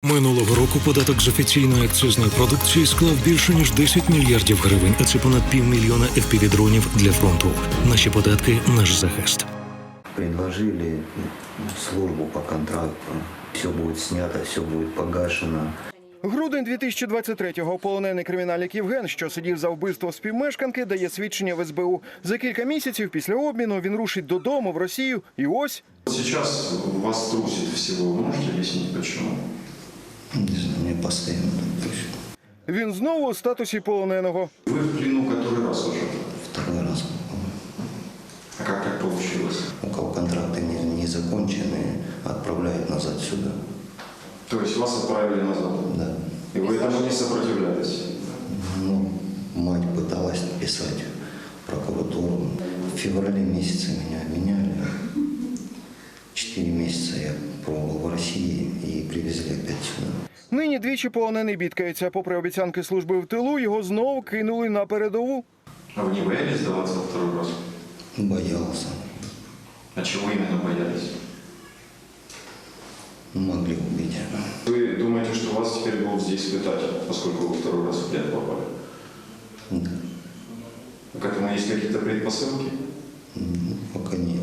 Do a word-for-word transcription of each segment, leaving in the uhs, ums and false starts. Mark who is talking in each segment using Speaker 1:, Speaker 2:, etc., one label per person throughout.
Speaker 1: Минулого року податок з офіційної акцизної продукції склав більше ніж десять мільярдів гривень, а це понад півмільйона еф пі ві-дронів для фронту. Наші податки – наш захист.
Speaker 2: Предложили службу по контракту. Все буде знято, все буде погашено.
Speaker 3: Грудень дві тисячі двадцять третього. Полонений кримінальник Євген, що сидів за вбивство співмешканки, дає свідчення в ес бе у. За кілька місяців після обміну він рушить додому в Росію і ось...
Speaker 4: Сейчас вас трусит всего. Вы можете объяснить, почему?
Speaker 2: Не знаю, мне постоянно так трусит.
Speaker 3: Він знову у статусі полоненого.
Speaker 4: Вы в плену который раз уже?
Speaker 2: Второй раз.
Speaker 4: А как так получилось?
Speaker 2: У кого контракты не, не закончены, отправляют назад сюда.
Speaker 4: То есть вас отправили назад?
Speaker 2: Да.
Speaker 4: И вы этому не сопротивлялись?
Speaker 2: Ну, мать пыталась написать в прокуратуру. В феврале месяце меня обменяли. Четыре месяца я пробовал в России и привезли опять сюда.
Speaker 3: Нині двічі полонений бідкається. Попри обіцянки служби в тилу, його знову кинули на передову.
Speaker 4: А вы не боялись сдаваться во второй раз?
Speaker 2: Боялся.
Speaker 4: А чего именно боялись?
Speaker 2: Могли убить.
Speaker 4: Вы думаете, что вас теперь будут здесь пытать, поскольку вы второй раз в плен попали?
Speaker 2: Да.
Speaker 4: К этому есть какие-то предпосылки?
Speaker 2: Пока нет.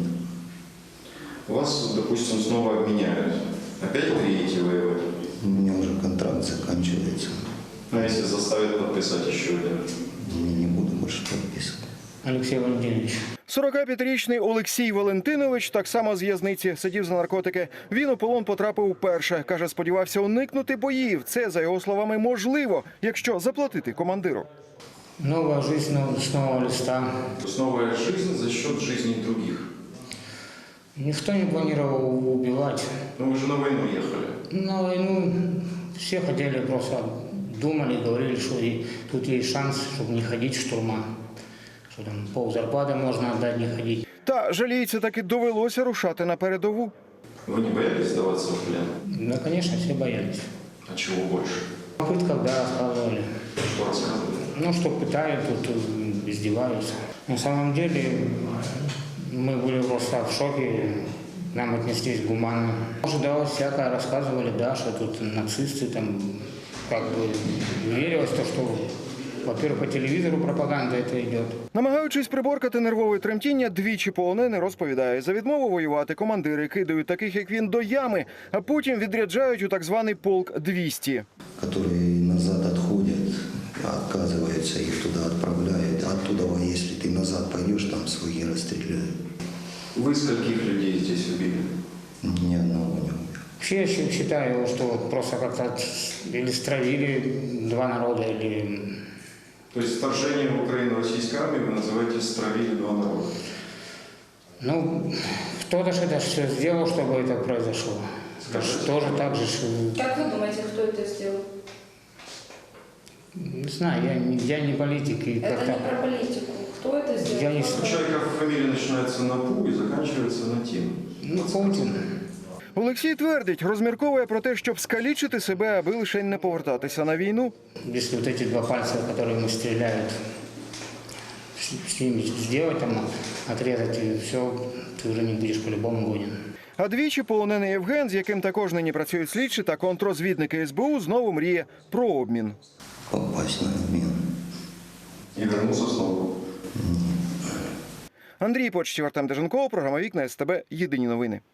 Speaker 4: Вас, допустим, снова обменяют. Опять приедете воевать?
Speaker 2: У меня уже контракт заканчивается.
Speaker 4: А если заставят подписать еще один?
Speaker 2: Я не буду больше подписывать.
Speaker 5: Олексій Валентинович.
Speaker 3: сорокап'ятирічний Олексій Валентинович так само з в'язниці сидів за наркотики. Він у полон потрапив вперше. Каже, сподівався уникнути боїв. Це, за його словами, можливо, якщо заплатити командиру.
Speaker 5: Нова життя з нового листа.
Speaker 4: То есть новая жизнь за счет жизни других.
Speaker 5: Ніхто не планував убивати.
Speaker 4: Но вы же на войну ехали.
Speaker 5: На війну всі хотіли, просто думали, говорили, що і тут є шанс, щоб не ходити в штурма. Що там пол зарплати можна віддати, не ходити.
Speaker 3: Та, жаліється, таки довелося рушати на передову.
Speaker 4: Вы не боялись сдаваться в плен?
Speaker 5: Ну, звісно, всі боялись.
Speaker 4: А чего больше?
Speaker 5: В пытках, да, рассказывали.
Speaker 4: Что рассказывали?
Speaker 5: Ну, что пытают, тут издеваются. На самом деле, мы были просто в шоке, нам отнеслись гуманно. Ожидалось всякое, рассказывали, да, что тут нацисты, там, как бы, верилось то, что, во-первых, по телевизору пропаганда это идет.
Speaker 3: Намагаючись приборкати нервове тремтіння, двічі полонений розповідає, за відмову воювати командири кидають таких, як він, до ями, а потім відряджають у так званий полк двісті.
Speaker 2: Которые назад отходят, отказываются, их туда отправляют. Оттуда, если ты назад пойдешь, там свои расстреляют.
Speaker 4: Вы скольких людей здесь убили?
Speaker 2: Ни одного не убил.
Speaker 5: Вообще я считаю, что вот просто как-то или стравили два народа, или...
Speaker 4: То есть вторжение в Украину российской армии вы называете стравили два народа?
Speaker 5: Ну, кто-то же это все сделал, чтобы это произошло.
Speaker 4: Скажите.
Speaker 5: Тоже так же... что-
Speaker 6: Как вы думаете, кто это сделал?
Speaker 5: Не знаю, я, не- я не политик. И
Speaker 6: Это
Speaker 5: как-то...
Speaker 6: не про политику. Кто это сделал?
Speaker 5: Я не
Speaker 4: У человека фамилия начинается на Пу и заканчивается на Тим.
Speaker 5: Ну, Путин.
Speaker 3: Олексій твердить, розмірковує про те, щоб скалічити себе, аби лише не повертатися на війну.
Speaker 5: Если вот эти два пальца, которые мы стреляют, с ними сделать, там, отрезать, и все, ты уже не будешь по-любому годен.
Speaker 3: А двічі полонений Євген, з яким також нині працюють слідчі та контррозвідники ес бе у, знову мріє про обмін.
Speaker 2: Попасть на обмен.
Speaker 4: И вернулся снова.
Speaker 3: Андрій Почтів, Артем Деженков, програма «Вікна ес те бе». Єдині новини.